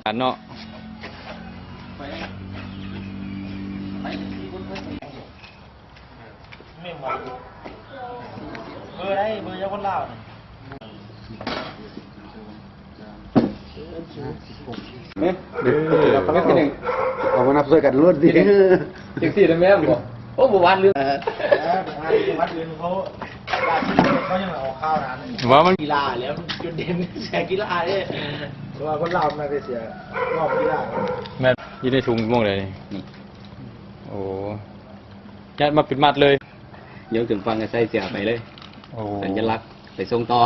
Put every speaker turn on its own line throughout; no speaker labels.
เนาะ
ไม่หมดเบอร์ได้เบอร์ยังคนลาวนี่
เอามานับช่วยกันล้วนสิ
จังสี่ได้แม่บ่โอ้บ่วานลืม
วัดอื่นเขายังเอาข้าวร้าน
ว่ามัน
กีฬาแล้วจุดเด่นแชร์กีฬาเนี่ยเพราะว่าคนลาวไม่ได้เสียรอบกีฬา
แม่อยู่ในถุงม่วงเลยนี่โอ้ยัดมาปิดมัดเลย
เดี๋ยวถึงฟังก็ใส่เสียไปเลยสัญลักษณ์ไปส่งต่อ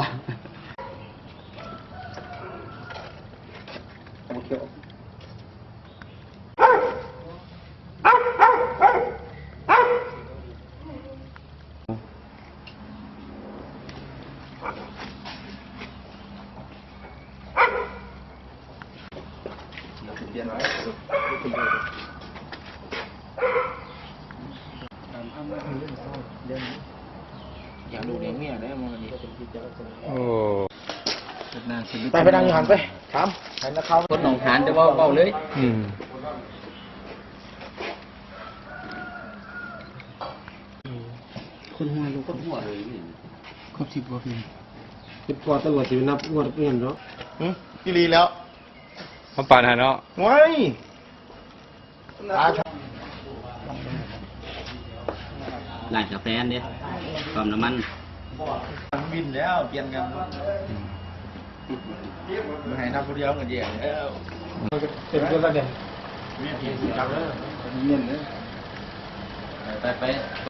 อยากดูเลี้ยงเมียได้มั้งนี่
โอ้
ไปนั่งอยู่หันไปถามให้นักข่าว
คนหนองหานจะเบาเลยคนหัวลูกคนหัวเลย
ครบ10 กว่าปี
10 กว่าตำรวจสินับงวดเปลี่ยนเนาะ
อีลีแล้ว
มาปานหาเนาะ
ว้าย
ร้านกาแฟเนี่ยปั๊มน้ำมัน
บินแล้วเปลี่ยนกันมาให้นับคนเดียวกันเดียวเป็นคนละเด่นจับเลยเงินเลย
ไป